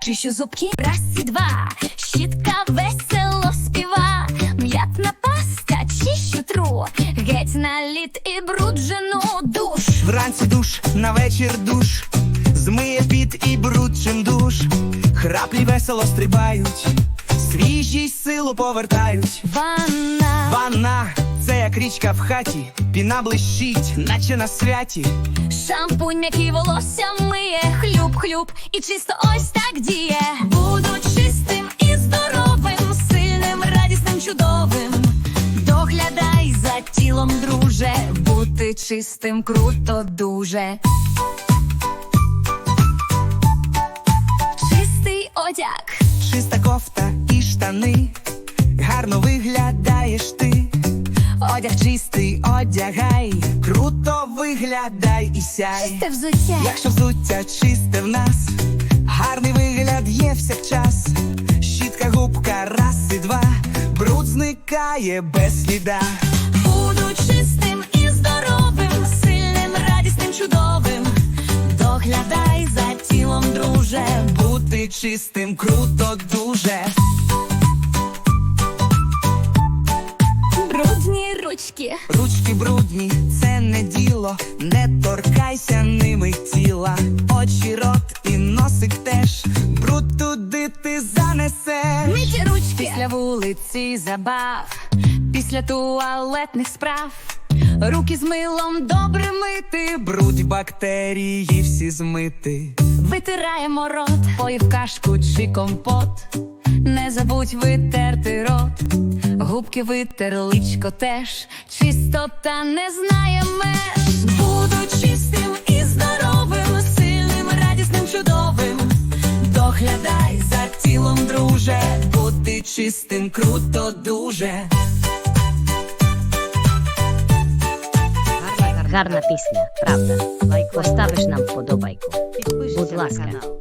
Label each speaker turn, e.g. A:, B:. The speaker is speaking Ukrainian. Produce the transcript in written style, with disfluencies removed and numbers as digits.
A: чищу зубки, раз і два, щітка весело співа, м'ятна паста, чищу тру, геть наліт і бруджену душ.
B: Вранці душ, на вечір душ, змиє піт і бруд чим душ. Храплі весело стрибають, свіжість силу повертають. Ванна, це як річка в хаті, піна блищить, наче на святі.
A: Шампунь м'який волосся миє, хлюб-хлюб, і чисто ось так діє. Буду чистим і здоровим, сильним, радісним, чудовим. Доглядай за тілом, друже, бути чистим круто дуже. Чистий одяг,
B: Чиста кофта і штани, гарно виглядаєш ти. Одяг чистий, одягай, круто виглядай і сяй.
A: чисте взуття,
B: Якщо взуття чисте в нас, гарний вигляд є всякчас. Щітка, губка, раз і два, бруд зникає без сліда.
A: буду чистим і здоровим, сильним, радісним, чудовим. Доглядай за тілом, друже,
B: Бути чистим круто дуже.
A: брудні ручки,
B: Ручки брудні, це не діло, не торкайся ними тіла. Очі, рот і носик теж, бруд туди ти занесеш.
A: миті ручки,
C: Після вулиці забав, після туалетних справ, руки з милом добре мити,
B: Бруд, бактерії всі змити.
C: витираємо рот, поїв кашку чи компот. Не забудь витерти рот, губки витер, личко теж. Чистота не знає меж.
A: буду чистим і здоровим, сильним, радісним, чудовим.
B: Доглядай за тілом, друже, бути чистим круто дуже.
D: Гарна пісня, правда? Поставиш нам вподобайку. Будь ласка.